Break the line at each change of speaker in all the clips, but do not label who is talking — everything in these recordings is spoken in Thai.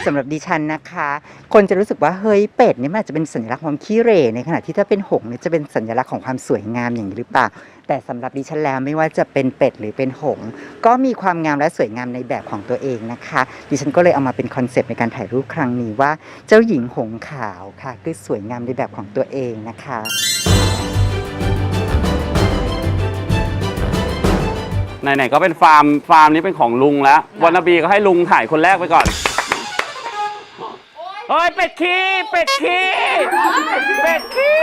สำหรับดิฉันนะคะคนจะรู้สึกว่าเฮ้ยเป็ดนี่มันอาจจะเป็นสัญลักษณ์ความขี้เหร่ในขณะที่ถ้าเป็นหงส์เนี่ยจะเป็นสัญลักษณ์ของความสวยงามอย่างนี้หรือเปล่าแต่สำหรับดิฉันแล้วไม่ว่าจะเป็นเป็ดหรือเป็นหงส์ก็มีความงามและสวยงามในแบบของตัวเองนะคะดิฉันก็เลยเอามาเป็นคอนเซปต์ในการถ่ายรูปครั้งนี้ว่าเจ้าหญิงหงส์ขาวค่ะคือสวยงามในแบบของตัวเองนะคะ
ไหนๆก็เป็นฟาร์มนี้เป็นของลุงแล้ววันนบีก็ให้ลุงถ่ายคนแรกไปก่อนเฮ้ยเป็ดขี้เป็ดขี้เป็ดขี้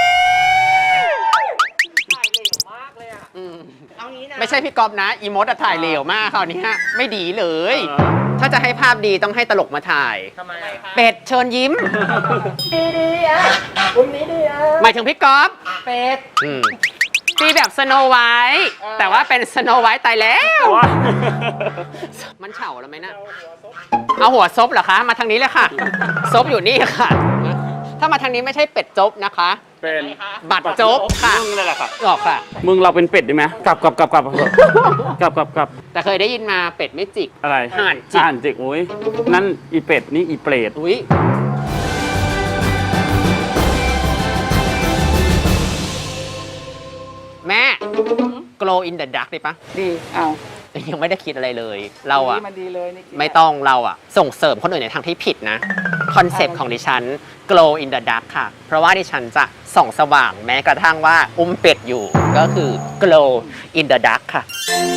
ถ่ายเหลวมากเลยอ่ะเอางี้นะ
ไม่ใช่พี่ก๊อฟนะอีมดถ่ายเหลวมากคราวนี้ไม่ดีเลย ถ้าจะให้ภาพดีต้องให้ตลกมาถ่าย
ทำไมคะ
เป็ดเชิญยิ้ม
ดีอ่ะวันนี้ดีอ่ะ
หมายถึงพี่ก๊อฟ
เป็ด
ตีแบบสโนไวท์แต่ว่าเป็นสโนไวท์ตายแล้ว มันเฉาแล้วไหมนะเอาหัวซบเหรอคะ มาทางนี้เลยค่ะ ซบอยู่นี่ค่ะ ถ้ามาทางนี้ไม่ใช่เป็ดจบนะคะ
เป็น
บัตรจบค่ะ
มึงเลยแหละค่ะ
ออกค่ะ
มึงเราเป็นเป็ดได้ไหมกลับ
แต่เคยได้ยินมาเป็ดไม่จิก
อะไร
ห่านจิก
ห่านจิกอุ้ยนั่นอีเป็ดนี่อีเปรต
อุ้ยแม่ glow in the dark ได้ปะ
ดีเอา
ยังไม่ได้คิดอะไรเลย เราอะ
มันดีเลยนี่
ไม่ต้องเราอะส่งเสริมคนอื่นในทางที่ผิดนะ คอนเซปต์ของดิฉัน glow in the dark ค่ะ เพราะว่าดิฉันจะส่องสว่างแม้กระทั่งว่าอุ้มเป็ดอยู่ ก็คือ glow in the dark ค่ะ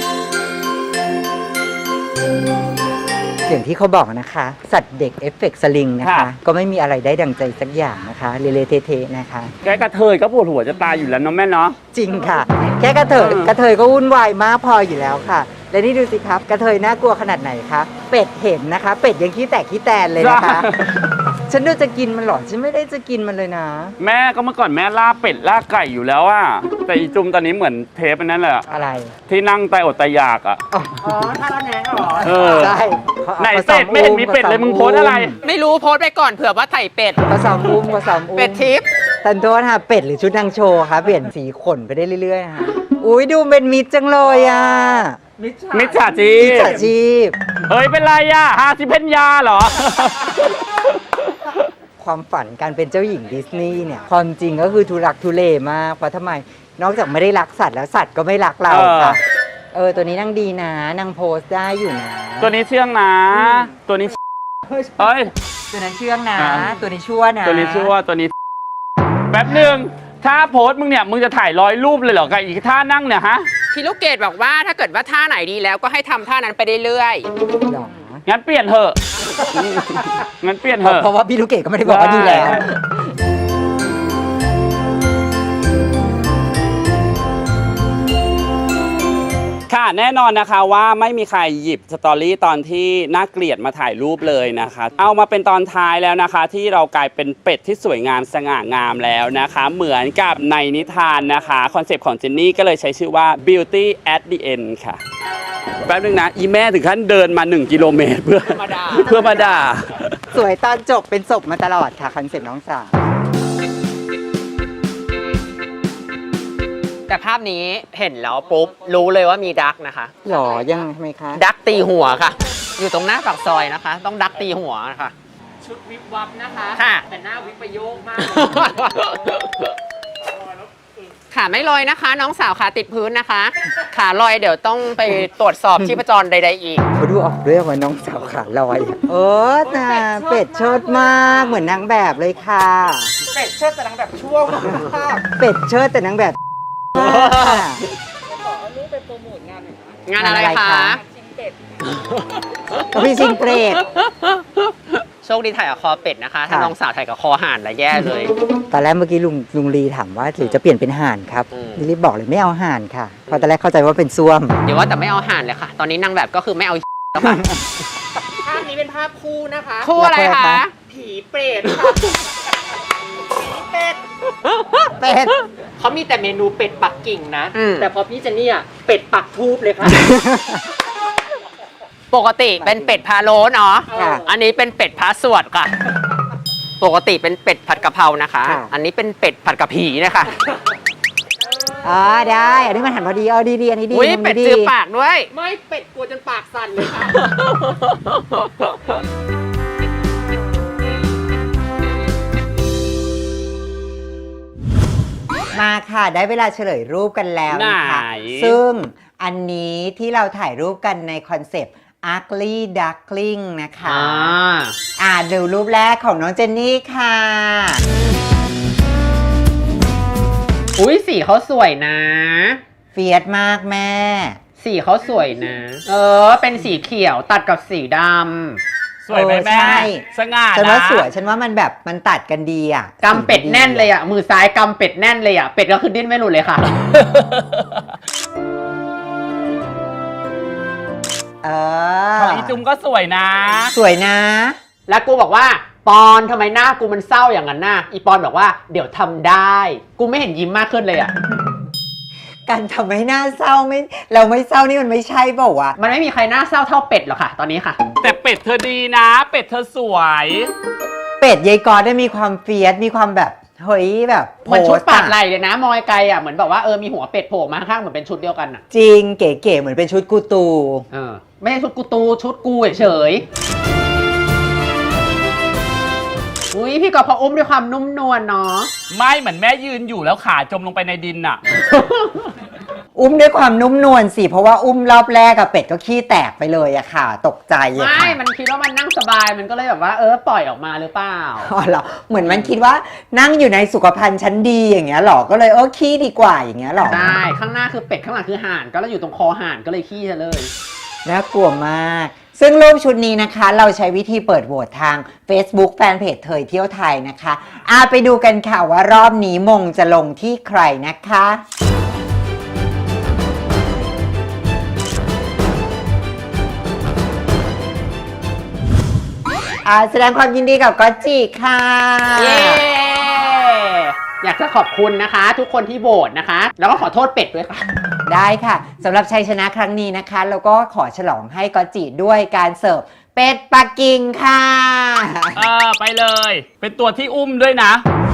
อย่างที่เขาบอกนะคะ สัตว์เด็กเอฟเฟกต์สลิงนะคะ ก็ไม่มีอะไรได้ดังใจสักอย่างนะคะเละๆเทะๆนะคะ
แกกระเทยก็ปวดหัวจะตายอยู่แล้วเนาะแม่เนาะ
จริงค่ะ แค่กระเทยก็วุ่นวายมากพออยู่แล้วค่ะ และนี่ดูสิครับ กระเทยน่ากลัวขนาดไหนคะเป็ดเห็นนะคะ เป็ดยังขี้แตกขี้แตนเลยนะคะ ฉันดูจะกินมันหรอฉันไม่ได้จะกินมันเลยนะ
แม่ก็เมื่อก่อนแม่ล่าเป็ดล่าไก่อยู่แล้วอะแต่อีจุมตอนนี้เหมือนเทปอันนั้นแหละ
อะไร
ที่นั่งตายอดตายอยากอะ
อ๋อ
อ๋อถ้าเราแหนงเหรอ
เออ
ใช่
ไหนเป็ดไม่เห็นมีเป็ดเลยมึงโพสอะไร
ไม่รู้โพสต์ไปก่อนเผื่อว่าไถ่เป็ด
ผสมอุ้มผสมอุ้ม
เป็ดทิพย์
ทันโทษค่ะเป็ดหรือชุดนางโชว์คะเปลี่ยนสีขนไปได้เรื่อยๆนะคะอุ้ยดูเป็นมิตรจังเลยอ่ะ
มิจฉาชี
มิจ
พ
ฉาชีพ
เฮ้ยเป็นไรอะฮาซิเพนยาเหรอ
ความฝันการเป็นเจ้าหญิงดิสนีย์เนี่ยความจริงก็คือทุรักทุเลมากเพราะทำไมนอกจากไม่ได้รักสัตว์แล้วสัตว์ก็ไม่รักเราค่ะตัวนี้นั่งดีนะนางโพสได้อยู่นะ
ตัวนี้เชื่องนะ ตัวนี้เฮ้ย
ตัวนั้นเชื่องนะ
อ่า
ตัวนี้ชั่วนะ
ตัวนี้ชื่อว่าตัวนี้แป๊บหนึ่งถ้าโพสต์มึงเนี่ยมึงจะถ่าย100 รูปเลยเหรอกับอีกท่านั่งเนี่ยฮะ
พี่ลูกเกดบอกว่าถ้าเกิดว่าท่าไหนดีแล้วก็ให้ทำท่านั้นไปเรื่อย
หรอ
งั้นเปลี่ยนเถอะงั้นเปลี่ยนเถอะ
เพราะว่าพี่ลูกเกดก็ไม่ได้บอกว่าดีแล้ว
ค่ะแน่นอนนะคะว่าไม่มีใครหยิบสตอรี่ตอนที่น่าเกลียดมาถ่ายรูปเลยนะคะ เอามาเป็นตอนท้ายแล้วนะคะ ที่เรากลายเป็นเป็ดที่สวยงามสง่างามแล้วนะคะ เหมือนกับในนิทานนะคะคอนเซปต์ของเจนนี่ก็เลยใช้ชื่อว่า beauty at the end ค่ะแป๊บนึงนะอีแม่ถึงขั้นเดินมา1 กิโลเมตรเพื่อมาด่า
สวยตอนจบเป็นศพมาตลอดค่ะคอนเซ็ปต์น้องสาว
ๆ แต่ภาพนี้เห็นแล้วปุ๊บรู้เลยว่ามีดักนะคะ
หรอยังทำไมคะ
ดักตีหัวค่ะ อยู่ตรงหน้าปากซอยนะคะ ต้องดักตีหัวนะคะ
ชุดวิบวับนะคะ
ค่ะ
แต่หน้าวิบประโยคมาก
ขาไม่ลอยนะคะ น้องสาวขาติดพื้นนะคะ ขาลอยเดี๋ยวต้องไปตรวจสอบชีพจรใดๆอีก
เขาดูออกด้วยว่าน้องสาวขาลอยน่ะเป็ดเชิดมากเหมือนนางแบบเลยค่ะ
เป็ดเชิดแต่นางแบบชั่วมาก
เป็ดเชิดแต่นางแบบมากค่ะ
ขอเอารูปไปโปรโมทงานหน่อยนะ
งานอะไรคะ
ชิงเป็ด
ก็พี่ซิงเปรต
โชคดีถ่ายกับคอเป็ดนะคะ ถ้า
ค่ะ
น้องสาวถ่ายกับคอห่านละแย่เลย
ตอนแรกเมื่อกี้ลุงลีถามว่าหรือจะเปลี่ยนเป็นห่านครับ
อืม
ลิลลี่บอกเลยไม่เอาห่านค่ะเพราะตอนแรกเข้าใจว่าเป็นส้วม
เดี๋ยวว่าแต่ไม่เอาห่านเลยค่ะ ตอนนี้นางแบบก็คือไม่เอาแล้วค่ะ
ภาพนี้เป็นภาพคู่นะคะ
คู่อะไรคะ
ผีเปรตค่ะ ผีเป็ด
เป็ด
เขามีแต่เมนูเป็ดปักกิ่งนะ
อืม
แต่พอพี่เจนนี่อ่ะเป็ดปักทูบเลยค่ะ
ปกติเป็นเป็ดพะโล้เนาะ
ค่ะ
อันนี้เป็นเป็ดพะสวดค่ะ ปกติเป็นเป็ดผัดกะเพรานะคะ
ค่ะ
อันนี้เป็นเป็ดผัดกะผีนะคะ
ได้อันนี้มันหันพอดีเอาดีๆอันนี้ดี
อุ้ย
มุม
เป็ด
นี้
จือปากด้วย
ไม่เป็ดกลัวจนปากสั่นเลยค่ะ
มาค่ะได้เวลาเฉลยรูปกันแล้วนะคะ
ไหน
ซึ่งอันนี้ที่เราถ่ายรูปกันในคอนเซปต์ ugly duckling นะคะดูรูปแรกของน้องเจนนี่ค่ะ
อุ้ยสีเขาสวยนะ
เฟียสมากแม่
สีเขาสวยนะ เป็นสีเขียวตัดกับสีดำ
สวยไหมแม่
ใช่
สง่า
ฉัน
นะ
ว่าสวยฉันว่ามันแบบมันตัดกันดีอ่ะ
กำเป็ดแน่นเลยอ่ะ มือซ้ายกำเป็ดแน่นเลยอ่ะ เป็ดก็คือดิ้นไม่หลุดเลยค่ะ
ของอีจุมก็สวยนะ
สวยนะ
แล้วกูบอกว่าปอนทำไมหน้ากูมันเศร้าอย่างนั้นน่ะอีปอนบอกว่าเดี๋ยวทำได้ กูไม่เห็นยิ้มมากขึ้นเลยอ่ะ
การทำให้หน้าเศร้าไม่เราไม่เศร้านี่มันไม่ใช่เปล่าวะ
มันไม่มีใครหน้าเศร้าเท่าเป็ดหรอกค่ะตอนนี้ค่ะ
แต่เป็ดเธอดีนะ เป็ดเธอสวย
เป็ดยายกอได้มีความเฟียสมีความแบบเฮ้ยแบบ
เหมือนชุด
โพสต์
ปาดไหลเลยนะ มอยไกลอ่ะเหมือนแบบว่ามีหัวเป็ดโผล่มาข้างเหมือนเป็นชุดเดียวกันอ่ะ
จริงเก๋ๆเหมือนเป็นชุดกูตู
ไม่ใช่ชุดกูตูชุดกูเฉยอุ้ยพี่ก็พออุ้มด้วยความนุ่มนวลเนาะ
ไม่เหมือนแม่ยืนอยู่แล้วขาจมลงไปในดินน่ะ
อุ้มด้วยความนุ่มนวลสิเพราะว่าอุ้มรอบแรกอะเป็ดก็ขี้แตกไปเลยอะค่ะ ตกใจอะ
ไม่
ค่ะ
มันคิดว่ามันนั่งสบายมันก็เลยแบบว่าปล่อยออกมาหรือเปล่า
อ๋อเหรอเหมือนมันคิดว่านั่งอยู่ในสุขภัณฑ์ชั้นดีอย่างเงี้ยหรอก็เลยขี้ดีกว่าอย่างเงี้ยหรอ
ใช่ข้างหน้าคือเป็ดข้างหลังคือห่านก็แล้วอยู่ตรงคอห่านก็เลยขี้ซะเลย
น่ากลัวมากซึ่งรูปชุดนี้นะคะเราใช้วิธีเปิดโหวตทาง Facebook แฟนเพจเทยเที่ยวไทยนะคะไปดูกันค่ะว่ารอบนี้มงจะลงที่ใครนะคะแสดงความยินดีกับก๊อตจิค่ะ
เย้อยากจะขอบคุณนะคะ ทุกคนที่โหวตนะคะ แล้วก็ขอโทษเป็ดด้วยค่ะ
ได้ค่ะสำหรับชัยชนะครั้งนี้นะคะแล้วก็ขอฉลองให้ก๊อตจิด้วยการเสิร์ฟเป็ดปักกิ่งค่ะ
ไปเลย เป็นตัวที่อุ้มด้วยนะ